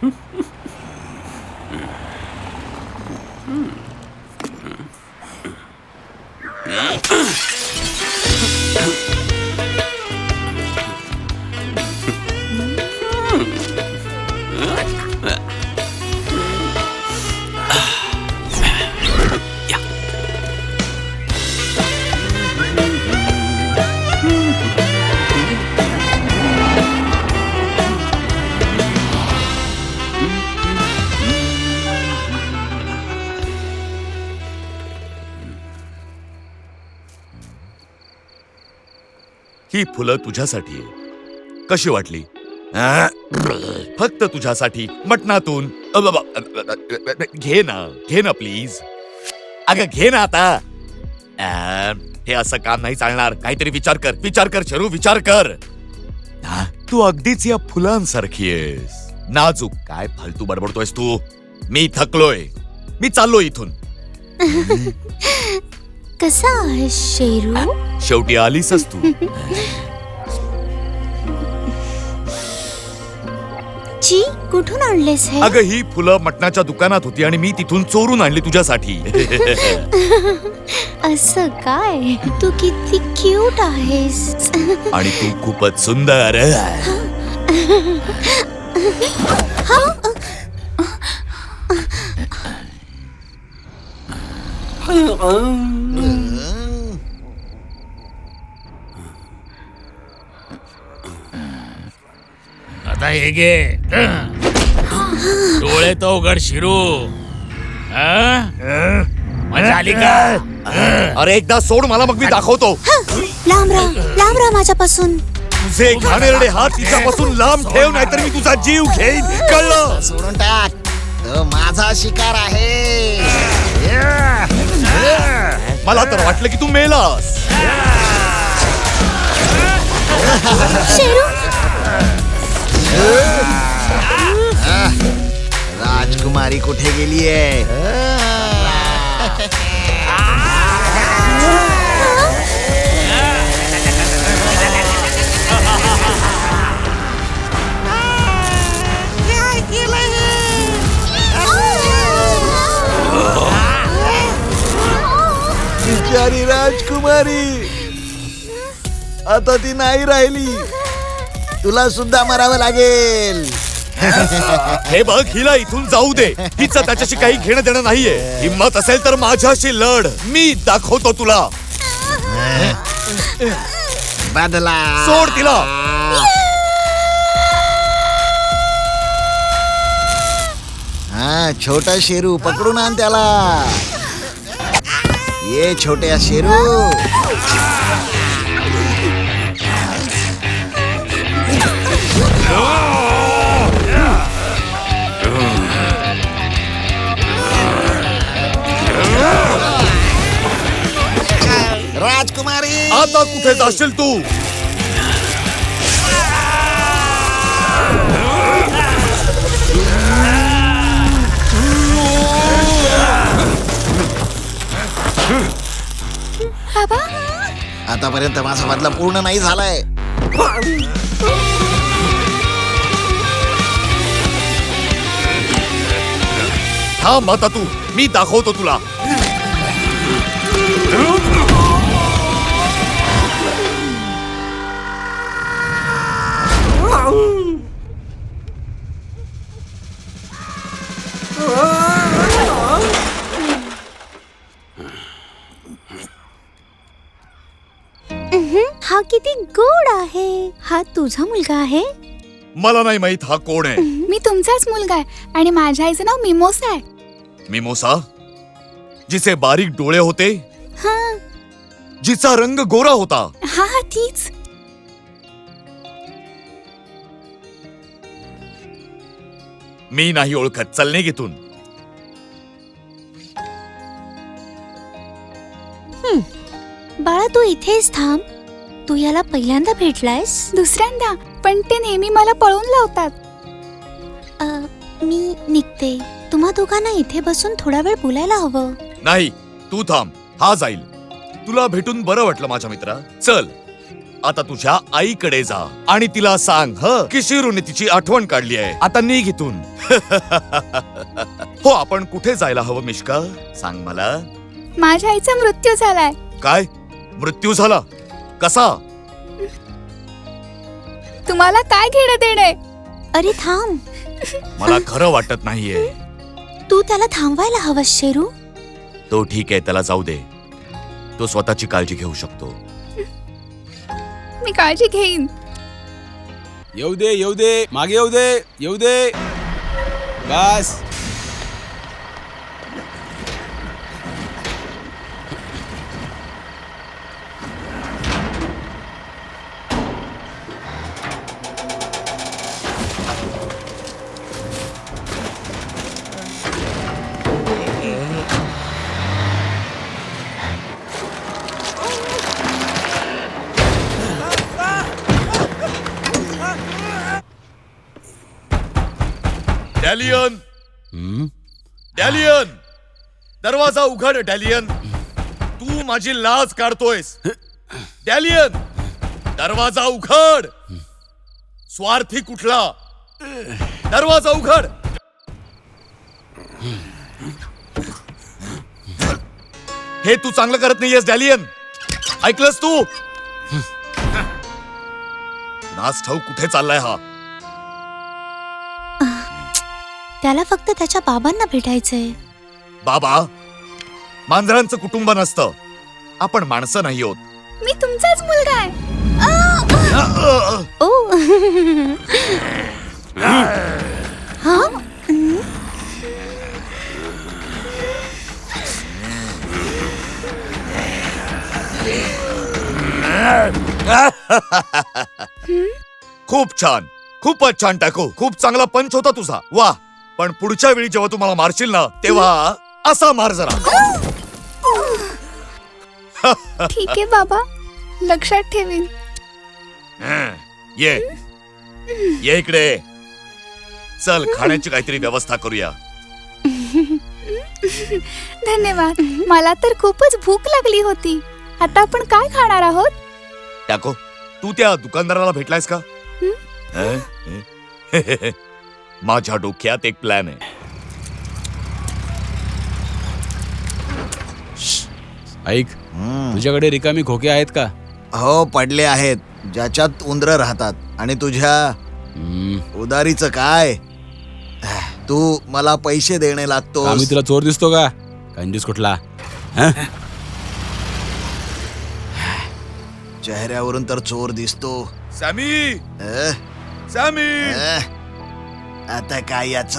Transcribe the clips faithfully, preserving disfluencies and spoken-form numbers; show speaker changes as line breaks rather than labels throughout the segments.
ही फुलं तुझ्यासाठी आहे. कशी वाटली? फक्त तुझ्यासाठी मटणातून. घे ना, घे ना प्लीज. अगं घे ना आता. हे असं काम नाही चालणार. काहीतरी विचार कर, विचार कर शरू, विचार कर. तू अगदीच या फुलांसारखी आहेस. नाजूक. काय फालतू बडबडतोयस तू? मी थकलोय. मी चाललोय इथून.
कसा आहेस शेरू?
शेवटी आलीसच तू.
ची, कुठून आणलेस हे?
अगं ही फुलं मटणाच्या दुकानात होती आणि मी तिथून चोरून आणली तुझ्यासाठी.
असं काय? तू किती क्यूट आहेस.
आणि तू खूपच सुंदर.
आता हे घे. डोळे तो उघड शिरू. मजा आली का?
अरे एकदा सोड मला, मग मी दाखवतो.
लांब राहा, लांब राहा माझ्यापासून.
तुझे घाणेरडे हात तिच्यापासून लांब ठेव, नाहीतर मी तुझा जीव घेईन. कळलं?
सोडून टाक. तो माझा शिकार आहे.
मला तर वाटलं की तू मेलास.
शेरू,
राजकुमारी कुठे गेलीये? बिचारी राजकुमारी, आता ती नाही राहिली. तुला सुद्धा मरावं लागेल.
हे बघ, हिला इथून जाऊ दे. हिचं त्याच्याशी काही घेणं देणं नाहीये. हिम्मत असेल तर माझ्याशी लढ. मी दाखवतो तुला.
बदला.
सोड तिला.
हा, छोटा शेरू, पकडून आण त्याला. ये छोट्या शेरू. राजकुमारी,
आता कुठे जाशील तू?
आतापर्यंत माझा बदला पूर्ण नाही झालाय.
थांब आता तू, मी दाखवतो तुला.
हा किती गोड आहे. हा तुझा मुलगा आहे?
मला नाही माहित हा कोण आहे.
मी तुमचाच मुलगा आहे आणि माझ्या आईचं नाव मिमोसा आहे.
मिमोसा? जिचे बारीक डोळे होते,
हा
जिचा रंग गोरा होता.
हा हा तीच.
मी नाही ओळखत. चल निघ इथून.
बाळा, तू इथेच थांब. तू याला पहिल्यांदा भेटलायस?
दुसऱ्यांदा, पण ते नेहमी मला पळून लावतात.
अ, मी निघते. तुम्हा दोघांना इथे बसून थोडा वेळ बोलायला हवं.
नाही, तू थांब. हा जाईल. तुला भेटून बरं वाटलं माझ्या मित्रा. चल. आता तुझ्या आईकडे जा आणि तिला सांग ह की शिरूने तिची आठवण काढली आहे. आता निघ इथून. हो, आपण कुठे जायला हवं मिश्का? सांग मला.
माझ्या आईचा मृत्यू झालाय.
काय? मृत्यू झाला? कसा?
तुम्हाला काय घेणं देणे?
अरे थांब,
मला खरं वाटत नाहीये.
तू त्याला थांबवायला हवं शेरू.
तो ठीक आहे, त्याला जाऊ दे. तो स्वतःची काळजी घेऊ शकतो.
मी काळजी घेईन.
येऊ दे येऊ दे मागे येऊ दे येऊ दे बस.
डॅलियन,
हम्म?
डॅलियन, दरवाजा उघड. डॅलियन, तू माझी लाज काढतोयस. डॅलियन, दरवाजा उघड. स्वार्थी कुठला, दरवाजा उघड. हे तू चांगलं करत नाहीयेस डॅलियन. ऐकलंस तू? नाच ठाऊक कुठे चाललाय हा.
त्याला फक्त त्याच्या बाबांना भेटायचंय.
बाबा, मांजरांचं कुटुंब नसतं. आपण माणसं नाही होत.
मी तुमचाच मुलगा आहे.
ओ हा?
खूप छान, खूपच छान टाकू. खूप चांगला पंच होता तुझा. वा. पण पुढच्या वेळी जेव्हा तू मला मारशील ना, तेव्हा असा मार जरा.
ठीक आहे बाबा, लक्षात ठेवीन.
ये ये इकडे. चल, खाण्याची काहीतरी व्यवस्था करूया.
धन्यवाद. मला तर खूपच भूक लागली होती. आता आपण काय खाणार आहोत?
टाको, तू त्या दुकानदाराला भेटलायस का? हं? माझ्या डोक्यात एक प्लॅन आहे.
ऐक, तुझ्याकडे रिकामी खोके आहेत का?
हो, पडले आहेत, ज्याच्यात उंदरं राहतात. आणि तुझ्या
हम्म,
उदारीचं काय? तू मला पैसे देणे लागतो.
आम्ही तुला चोर दिसतो का? कंजूस कुठला? हं?
चेहऱ्यावरून तर चोर दिसतो.
सॅमी,
अ,
सॅमी.
अ, आता काय याच?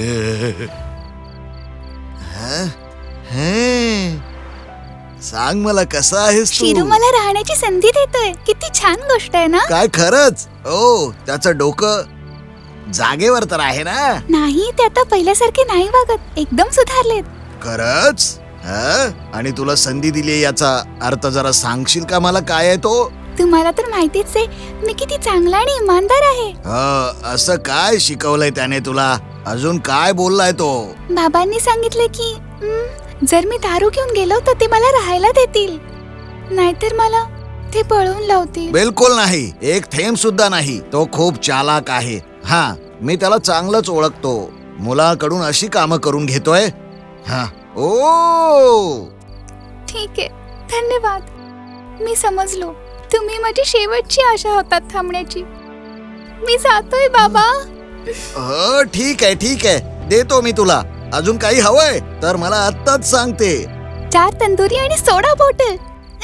सांग मला, कसा आहेस
शिरू
तू?
मला राहण्याची संधी देतोय. किती छान गोष्ट आहे ना?
काय खरंच? ओ, त्याचं डोकं जागेवर तर आहे ना?
नाही, ते आता पहिल्यासारखे नाही वागत. एकदम सुधारलेत.
खरंच? हं? आणि तुला संधी दिली याचा अर्थ जरा सांगशील का मला, काय आहे तो?
तुम्हाला तर माहितीच आहे मी किती चांगला आणि इमानदार आहे.
हं, असं काय शिकवलंय त्याने तुला? अजून काय बोललाय तो?
बाबांनी सांगितले की हं, जर मी दारू घेऊन गेलो तर ते मला राहायला देतील, नाहीतर मला ते पळवून लावतील.
बिलकुल नाही, एक थेंब सुद्धा नाही. तो खूप चालाक आहे. हा, मी त्याला चांगलंच ओळखतो. मुलाकडून अशी कामं करून घेतोय. हा. ओ,
ठीक आहे, धन्यवाद. मी समजलो. तुम्ही माझी शेवटची आशा होतात थांबण्याची. मी जातोय बाबा.
हो, ठीक आहे ठीक आहे, देतो मी तुला. अजून काही हवंय तर मला आत्ताच सांगते.
चार तंदुरी आणि सोडा बॉटल.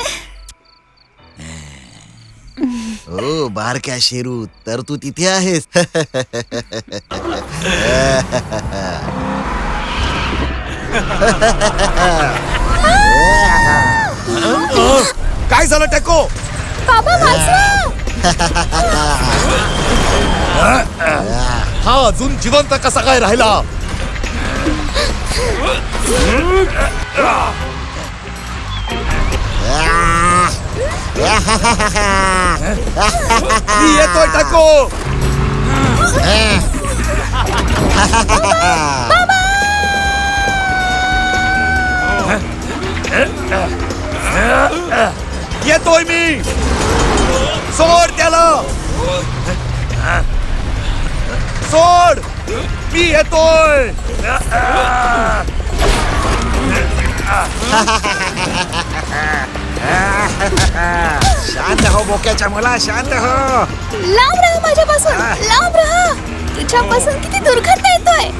हो, बारक्या शेरू, तर तू तिथे आहेस.
काय झालं टॅको?
बाबा वाचवा.
हा अजून जिवंत कसा काय राहिला? मी येतोय टॅको. येतोय मी. मी येतोय.
शांत हो बोक्याच्या मुला, शांत हो.
लांब राहा माझ्यापासून, लांब राहा. तुझ्यापासून किती दुर्गंध येतोय.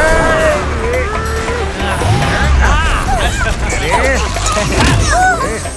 अरे